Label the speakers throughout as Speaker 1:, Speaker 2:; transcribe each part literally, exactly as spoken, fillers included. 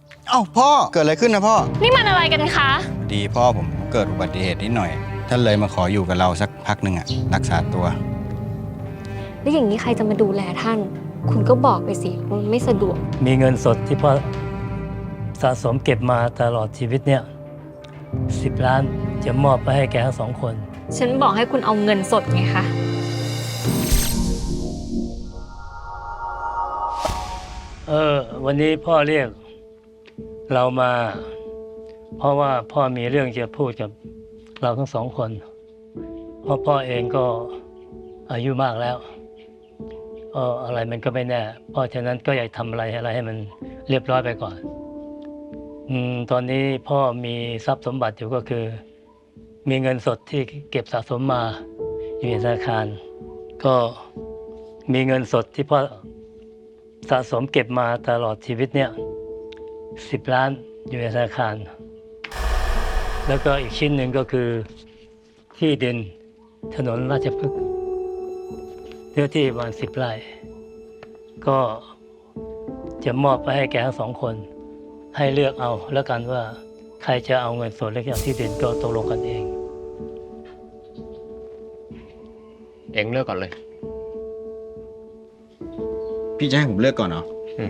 Speaker 1: เอ้าพ่อเกิดอะไรขึ้นนะพ่อ
Speaker 2: นี่มันอะไรกันคะ
Speaker 1: ดีพ่อผมเกิดอุบัติเหตุนิดหน่อยท่านเลยมาขออยู่กับเราสักพักหนึ่งอะรักษาตัว
Speaker 2: แล้วอย่างนี้ใครจะมาดูแลท่าน คุณก็บอกไปสิมันไม่สะดวก
Speaker 3: มีเงินสดที่พ่อสะสมเก็บมาตลอดชีวิตเนี่ยสิบล้านจะมอบไปให้แกทั้งสองคน
Speaker 2: ฉันบอกให้คุณเอาเงินสดไงคะ
Speaker 3: เออวันนี้พ่อเรียกเรามา เพราะว่าพ่อมีเรื่องจะพูดกับเราทั้งสองคนเพราะพ่อเองก็อายุมากแล้วเอออะไรมันก็ไม่แน่เพราะฉะนั้นก็อยากทำอะไรอะไรให้มันเรียบร้อยไปก่อนอืมตอนนี้พ่อมีทรัพย์สมบัติอยู่ก็คือมีเงินสดที่เก็บสะสมมาอยู่ในธนาคารก็มีเงินสดที่พ่อสะสมเก็บมาตลอดชีวิตเนี่ยสิบล้านอยู่ในธนาคารแล้วก็อีกชิ้นหนึ่งก็คือที่ดินถนนราชพฤกษ์เนื้อที่ประมาณสิบไร่ก็จะมอบไปให้แกทั้งสองคนให้เลือกเอาแล้วกันว่าใครจะเอาเงินส่วนเล็กอย่างที่ดินก็ตกลงกันเอง
Speaker 4: เอ็งเลือกก่อนเลย
Speaker 1: พี่จะให้ผมเลือกก่อนเหรอ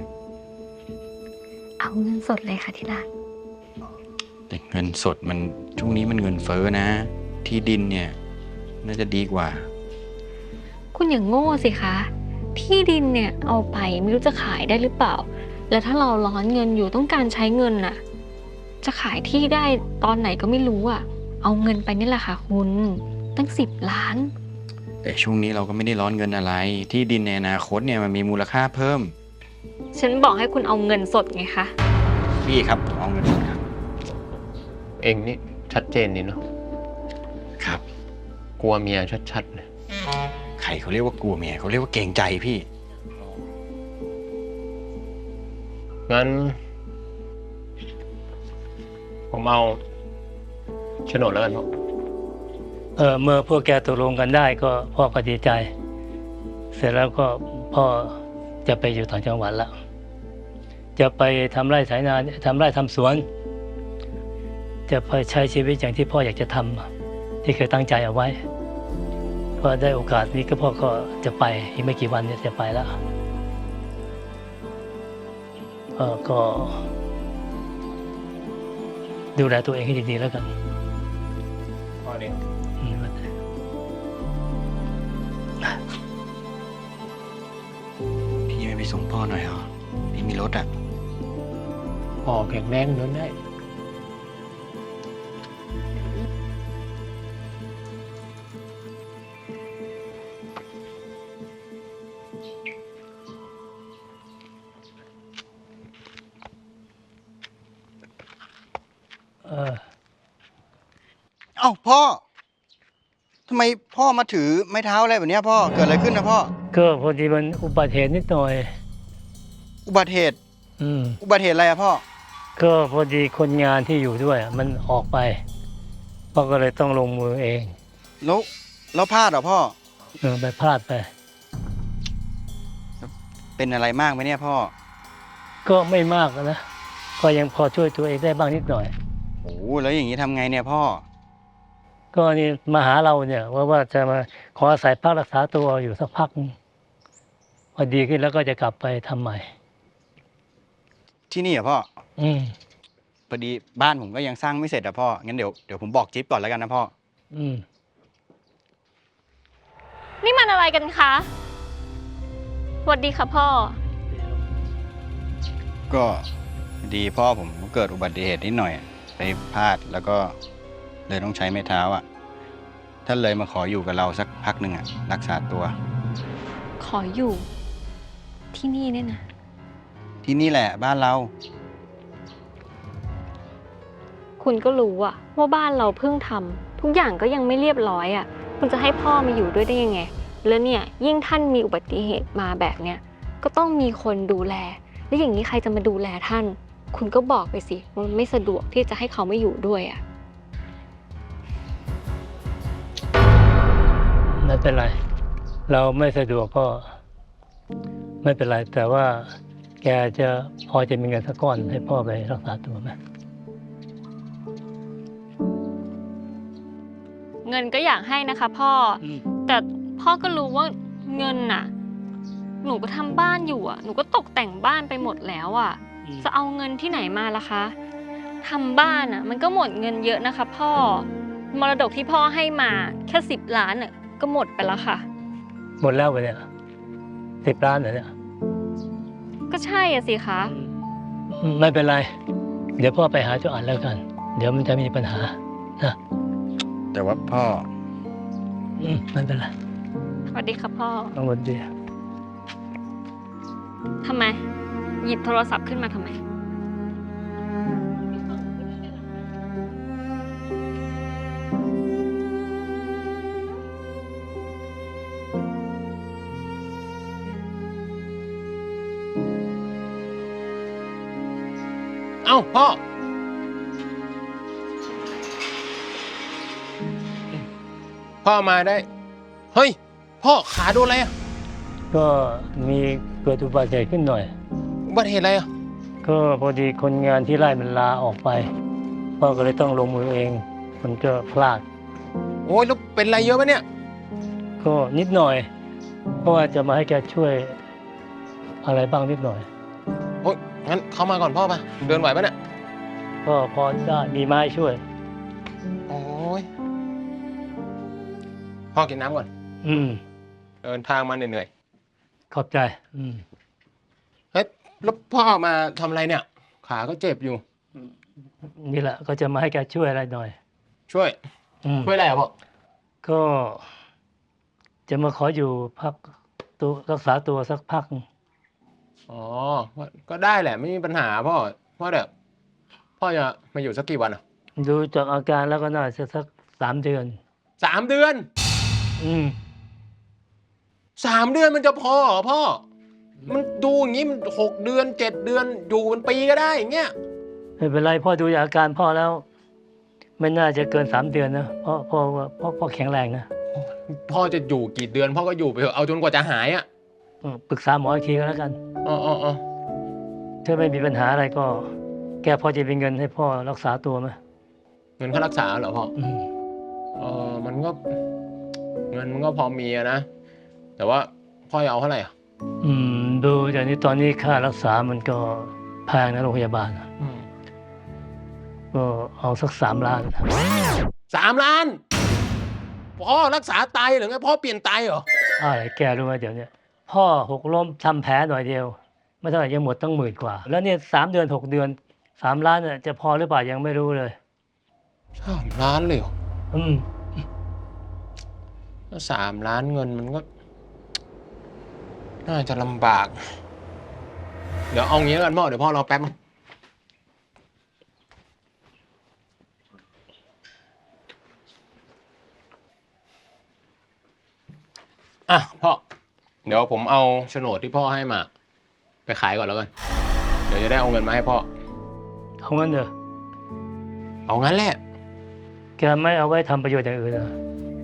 Speaker 2: เอาเงินสดเลยค่ะที่รัก
Speaker 1: แต่เงินสดมันช่วงนี้มันเงินเฟ้อนะที่ดินเนี่ยน่าจะดีกว่า
Speaker 2: คุณอย่างโง่สิคะที่ดินเนี่ยเอาไปไม่รู้จะขายได้หรือเปล่าแล้วถ้าเราร้อนเงินอยู่ต้องการใช้เงินน่ะจะขายที่ได้ตอนไหนก็ไม่รู้อ่ะเอาเงินไปนี่แหละค่ะคุณตั้งสิบล้าน
Speaker 1: แต่ช่วงนี้เราก็ไม่ได้ร้อนเงินอะไรที่ดินในอนาคตเนี่ยมันมีมูลค่าเพิ่ม
Speaker 2: ฉันบอกให้คุณเอาเงินสดไงคะ
Speaker 1: พี่ครับผมเอาเงินสดครับ
Speaker 4: เอ็งนี่ชัดเจนนี่เนาะ
Speaker 1: ครับ
Speaker 4: กลัวเมียชัดๆเลย
Speaker 1: ใครเขาเรียกว่ากลัวเมียเขาเรียกว่าเกรงใจพี่
Speaker 4: งั้นผมเอาโฉนดแล้วกันพ่อ
Speaker 3: เออเมื่อพวกแกตกลงกันได้ก็พ่อก็ดีใจ เสร็จแล้วก็พ่อจะไปอยู่ต่างจังหวัดแล้วจะไปทำไร่ไถนาทำไร่ทำสวนจะไปใช้ชีวิตอย่างที่พ่ออยากจะทำที่เคยตั้งใจเอาไว้พอได้โอกาสนี้ก็พ่อก็จะไปอีกไม่กี่วันเนี่ยจะไปแล้วเออก็ดูแลตัวเองให้ดีๆแล้วกัน
Speaker 4: พ่อเอง
Speaker 1: พี่ไม่ไปส่งพ่อหน่อยเหรอพี่มีรถอ่ะ
Speaker 4: พ่อแข็งแรงเดินได้
Speaker 3: เออ
Speaker 1: เอ้าพ่อทำไมพ่อมาถือไม้เท้าอะไรแบบนี้พ่อเกิดอะไรขึ้นนะพ่อ
Speaker 3: ก็พอดีมันอุบัติเหตุนิดหน่อย
Speaker 1: อุบัติเหตุ
Speaker 3: อืม
Speaker 1: อุบัติเหตุอะไรอะพ่อ
Speaker 3: ก็พอดีคนงานที่อยู่ด้วยมันออกไปพ่อก็เลยต้องลงมือเอง
Speaker 1: แล้วแล้วพลาดเหรอพ่อ
Speaker 3: เออไปพลาดไป
Speaker 1: เป็นอะไรมากไหมเนี่ยพ่อ
Speaker 3: ก็ไม่มากนะก็ยังพอช่วยตัวเองได้บ้างนิดหน่อย
Speaker 1: โอ้แล้วอย่างนี้ทำไงเนี่ยพ่อ
Speaker 3: ก็นี่มาหาเราเนี่ยว่าว่าจะมาขออาศัยพักรักษาตัวอยู่สักพักพอดีขึ้นแล้วก็จะกลับไปทำใหม่
Speaker 1: ที่นี่เหรอพ่อ
Speaker 3: อืม
Speaker 1: พอดีบ้านผมก็ยังสร้างไม่เสร็จอะพ่องั้นเดี๋ยวเดี๋ยวผมบอกจิ๊บก่อนแล้วกันนะพ่อ
Speaker 3: อืม
Speaker 2: นี่มันอะไรกันคะสวัสดีค่ะพ่อ
Speaker 1: ก็ดีพ่อผมเกิดอุบัติเหตุนิดหน่อยไปพลาดแล้วก็เลยต้องใช้ไม้เท้าอ่ะท่านเลยมาขออยู่กับเราสักพักหนึ่งอ่ะรักษาตัว
Speaker 2: ขออยู่ที่นี่เนี่ยนะ
Speaker 1: ที่นี่แหละบ้านเรา
Speaker 2: คุณก็รู้อะว่าบ้านเราเพิ่งทำทุกอย่างก็ยังไม่เรียบร้อยอะคุณจะให้พ่อมาอยู่ด้วยได้ยังไงแล้วเนี่ยยิ่งท่านมีอุบัติเหตุมาแบบเนี้ยก็ต้องมีคนดูแลแล้วอย่างนี้ใครจะมาดูแลท่านคุณก็บอกไปสิมันไม่สะดวกที่จะให้เขาไม่อยู่ด้วยอะ
Speaker 3: ไม่เป็นไรเราไม่สะดวกก็ไม่เป็นไรแต่ว่าแกจะพอจะมีเงินสักก้อนให้พ่อไปรักษาตัวไหม
Speaker 2: เงินก็อยากให้นะคะพ่ออแต่พ่อก็รู้ว่าเงินน่ะ หนูก็ทำบ้านอยู่อ่ะ หนูก็ตกแต่งบ้านไปหมดแล้วอ่ะ จะเอาเงินที่ไหนมาล่ะคะทำบ้านอ่ะ มันก็หมดเงินเยอะนะคะพ่อ มรดกที่พ่อให้มาแค่สิบล้านอ่ะก็หมดไปแล้วค่ะ
Speaker 3: หมดแล้วไปเนี่ยสิบล้านเหรอเนี่ย
Speaker 2: ก็ใช่อ่ะสิคะ
Speaker 3: อืมไม่เป็นไร เดี๋ยวพ่อไปหาเจ้าอันแล้วกัน เดี๋ยวมันจะมีปัญหานะ
Speaker 1: แต่ว่าพ่อ
Speaker 3: อืมไม่เป็นไร
Speaker 2: สวัสดีค่ะพ่อ
Speaker 3: ต้องวันดี
Speaker 2: ทำไม หยิบโทรศัพท์ขึ้นมาทำไม
Speaker 4: เอ้าพ่อ พ่อมาได้ เฮ้ย พ่อขาโดนอะไรอ่ะ
Speaker 3: ก็มีเกิดอุบัติเหตุขึ้นหน่อย
Speaker 4: อุบัติเหตุอะไรอ่ะ
Speaker 3: ก็พอดีคนงานที่ไร่มันลาออกไป พ่อก็เลยต้องลงมือเอง มันก็พลาด
Speaker 4: โอ้ยแล้วเป็นอะไรเยอะปะเนี่ย
Speaker 3: ก็นิดหน่อย เพราะว่าจะมาให้แกช่วยอะไรบ้างนิดหน่อย
Speaker 4: โอ้ยงั้นเข้ามาก่อนพ่อปะเดินไหวปะเนี่ย
Speaker 3: ก็พอได้มีไม้ช่วย
Speaker 4: โอ้ยพ่อกินน้ำก่อน
Speaker 3: อืม
Speaker 4: เดินทางมาเหนื่อย
Speaker 3: ขอบใจ อืม
Speaker 4: ๆเฮ้ยแล้วพ่อมาทำอะไรเนี่ย ขาก็เจ็บอยู่
Speaker 3: นี่แหละก็จะมาให้แกช่วยอะไรหน่อย
Speaker 4: ช่วย
Speaker 3: อืม
Speaker 4: ช่วยอะไรอ่ะพ่อ
Speaker 3: ก็ จะมาขออยู่พักตัวรักษาตัวสักพัก
Speaker 4: อ๋อ ก็ได้แหละไม่มีปัญหาพ่อพ่อเดี๋ยวพ่อจะมาอยู่สักกี่วันอ่ะ
Speaker 3: ดูจากอาการแล้วก็น่าจะสักสามเดือน
Speaker 4: สามเดือน
Speaker 3: อืม
Speaker 4: สามเดือนมันจะพอเหรอพ่อ มันดูอย่างนี้มันหกเดือนเจ็ดเดือนอยู่เป็นปีก็ได้อย่างเงี้ย
Speaker 3: ไม่เป็นไรพ่อดูจากอาการพ่อแล้ว ไม่น่าจะเกินสามเดือนนะเพราะพ่อว่าพ่อพ่อแข็งแรงนะ
Speaker 4: พ่อจะอยู่กี่เดือนพ่อก็อยู่ไปเถอะเอาจนกว่าจะหายอ่ะ
Speaker 3: อืมปรึกษาหมออีกทีก็แล้วกัน
Speaker 4: อ๋ออ๋ออ๋อ
Speaker 3: ถ้าไม่มีปัญหาอะไรก็ แกพอจะมีเงินให้พ่อรักษาตัวไหม
Speaker 4: เงินค่ารักษาเหรอพ่อ
Speaker 3: อืม
Speaker 4: เออมันก็ เงินมันก็พอมีอะนะ แต่ว่าพ่อจะเอาเท่าไหร่อ่ะ
Speaker 3: อืมดูจากนี้ตอนนี้ค่ารักษามันก็แพงนะโรงพยาบาลอะก็เอาสักสามล้าน
Speaker 4: สามล้านพ่อรักษาไตหรือไงพ่อเปลี่ยนไตเหรอ
Speaker 3: อะไรแกรู้ไหมเดี๋ยวเนี้ยพ่อหกล้มทำแผลหน่อยเดียว ไม่เท่าไหร่ยังหมดตั้งหมื่นกว่า แล้วเนี่ยสามเดือนหกเดือนสามล้านเนี่ยจะพอหรือเปล่ายังไม่รู้เลย
Speaker 4: สามล้านเลยเหรอ
Speaker 3: อืม
Speaker 4: ถ้าสามล้านเงินมันก็ น่าจะลำบาก เดี๋ยวเอางี้แล้วกันพ่อเดี๋ยวพ่อรอแป๊บนึงอ่ะพ่อ เดี๋ยวผมเอาโฉนดที่พ่อให้มา ไปขายก่อนแล้วกัน เดี๋ยวจะได้เอาเงินมาให้พ่อ
Speaker 3: เอางั้นเถอะ
Speaker 4: เอางั้นแหละ
Speaker 3: แกไม่เอาไว้ทำประโยชน์อย่างอื่นเหรอ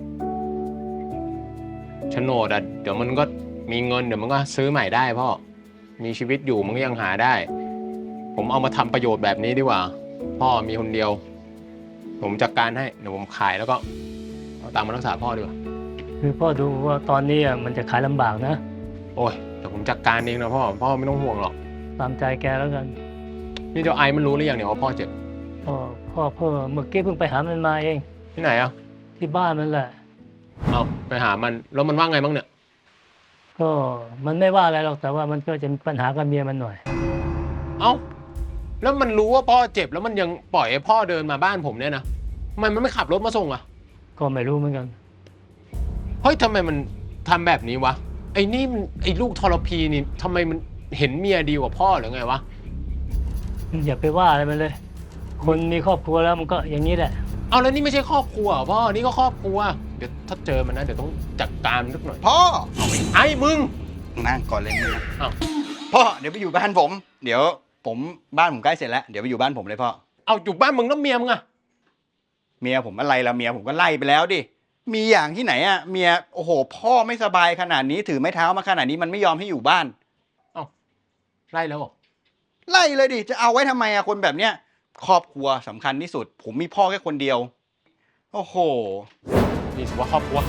Speaker 4: โฉนดอ่ะเดี๋ยวมันก็มีเงินเดี๋ยวมันก็ซื้อใหม่ได้พ่อ มีชีวิตอยู่มันก็ยังหาได้ ผมเอามาทำประโยชน์แบบนี้ดีกว่า พ่อมีคนเดียว ผมจัดการให้เดี๋ยวผมขายแล้วก็เอาตังค์มารักษาพ่อดีกว่า
Speaker 3: คือพ่อดูว่าตอนนี้อะมันจะขายลำบากนะ
Speaker 4: โอ้ยแต่ผมจัดการเองนะพ่อ พ่อไม่ต้องห่วงหรอก
Speaker 3: ตามใจแกแล้วกัน
Speaker 4: นี่เจ้าไอมันรู้หรือยังเนี่ยว่าพ่อเจ็บ
Speaker 3: พ่อพ่อเพิ่งเมื่อกี้เพิ่งไปหามันมาเอง
Speaker 4: ที่ไหนอ่ะ
Speaker 3: ที่บ้านมันแหละ
Speaker 4: เอาไปหามันแล้วมันว่าไงบ้างเนี่ย
Speaker 3: ก็มันไม่ว่าอะไรหรอกแต่ว่ามันก็จะมีปัญหากับเมียมันหน่อย
Speaker 4: เอ้าแล้วมันรู้ว่าพ่อเจ็บแล้วมันยังปล่อยให้พ่อเดินมาบ้านผมเนี่ยนะทำไมมันไม่ขับรถมาส่งอ่ะ
Speaker 3: ก็ไม่รู้เหมือนกัน
Speaker 4: เฮ้ยทำไมมันทำแบบนี้วะ ไอ้นี่มันไอ้ลูกทรพีนี่ทำไมมันเห็นเมียดีกว่าพ่อหรือไงวะ
Speaker 3: อย่าไปว่าอะไรมันเลย คนมีครอบครัวแล้วมันก็อย่างนี้แหละ
Speaker 4: เอาแล้วนี่ไม่ใช่ครอบครัวเหรอพ่อ นี่ก็ครอบครัว เดี๋ยวถ้าเจอมันนะเดี๋ยวต้องจัดการมันสักหน่อย
Speaker 1: พ่อ
Speaker 4: ไอ้มึง
Speaker 1: นั่งก่อนเลยมึงนะ
Speaker 4: อ้าว
Speaker 1: พ่อเดี๋ยวไปอยู่บ้านผม เดี๋ยวผมบ้านผมใกล้เสร็จแล้วเดี๋ยวไปอยู่บ้านผมเลยพ่อ
Speaker 4: เอาอยู่บ้านมึงแล้วเมียมึงอะ
Speaker 1: เมียผมอะไรละเมียผมก็ไล่ไปแล้วดิมีอย่างที่ไหนอะเมียโอ้โห พ่อไม่สบายขนาดนี้ถือไม้เท้ามาขนาดนี้มันไม่ยอมให้อยู่บ้าน
Speaker 4: ไล่แล้วเหรอ
Speaker 1: ไล่เลยดิ จะเอาไว้ทำไมอะคนแบบเนี้ย ครอบครัวสำคัญที่สุด ผมมีพ่อแค่คนเดียว โอ้โห
Speaker 4: นี่ถือว่าครอบครัว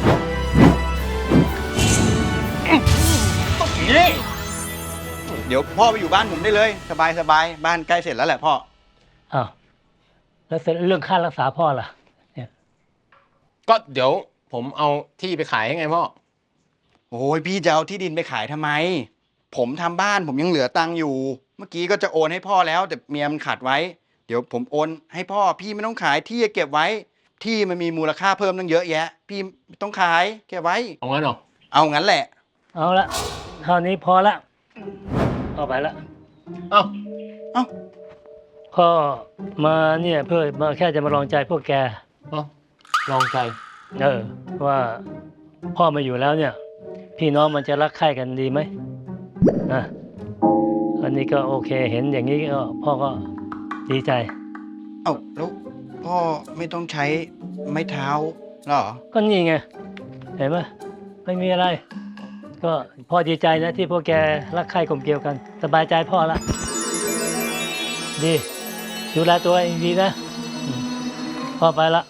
Speaker 1: นี่เดี๋ยวพ่อไปอยู่บ้านผมได้เลย สบายสบายบ้านใกล้เสร็จแล้วแหละพ่อ
Speaker 3: อ้าวแล้วเสร็จเรื่องค่ารักษาพ่อล่ะเนี่ย
Speaker 4: ก็เดี๋ยวผมเอาที่ไปขายให้ไงพ่อ
Speaker 1: โอ้ยพี่จะเอาที่ดินไปขายทำไม ผมทำบ้านผมยังเหลือตังค์อยู่ เมื่อกี้ก็จะโอนให้พ่อแล้ว แต่เมียมันขัดไว้ เดี๋ยวผมโอนให้พ่อ พี่ไม่ต้องขายที่เก็บไว้ ที่มันมีมูลค่าเพิ่มตั้งเยอะแยะ พี่ไม่ต้องขายเก็บไว้
Speaker 4: เอางั้นเหรอ
Speaker 1: เอางั้นแหละ
Speaker 3: เอาละเท่านี้พอละพ่อไปละ
Speaker 4: เอ้า
Speaker 1: เอ้า
Speaker 3: พ่อมาเนี่ยเพื่อมาแค่จะมาลองใจพวกแก
Speaker 4: เอ้าลองใจ
Speaker 3: เออว่าพ่อมาอยู่แล้วเนี่ย พี่น้องมันจะรักใคร่กันดีไหมนะอันนี้ก็โอเคเห็นอย่างนี้ก็พ่อก็ดีใจ
Speaker 1: เอ้าแล้วพ่อไม่ต้องใช้ไม้เท้าเหรอ
Speaker 3: ก็นี่ไงเห็นไหมไม่มีอะไร ก็พ่อดีใจนะที่พวกแกรักใคร่กลมเกลียวกัน สบายใจพ่อละดีดูแลตัวเองดีนะอืมพ่อไปละ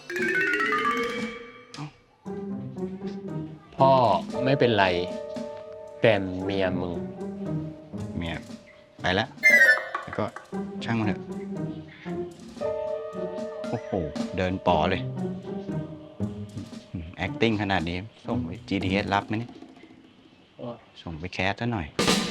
Speaker 4: พ่อไม่เป็นไร แต่เมียมึง
Speaker 1: เมียไปแล้ว แล้วก็ช่างมันเถอะ โอ้โห เดินป๋อเลยอืม acting ขนาดนี้ ส่งไป จี ที เอส รับไหมเนี่ย ส่งไปแคสซะหน่อย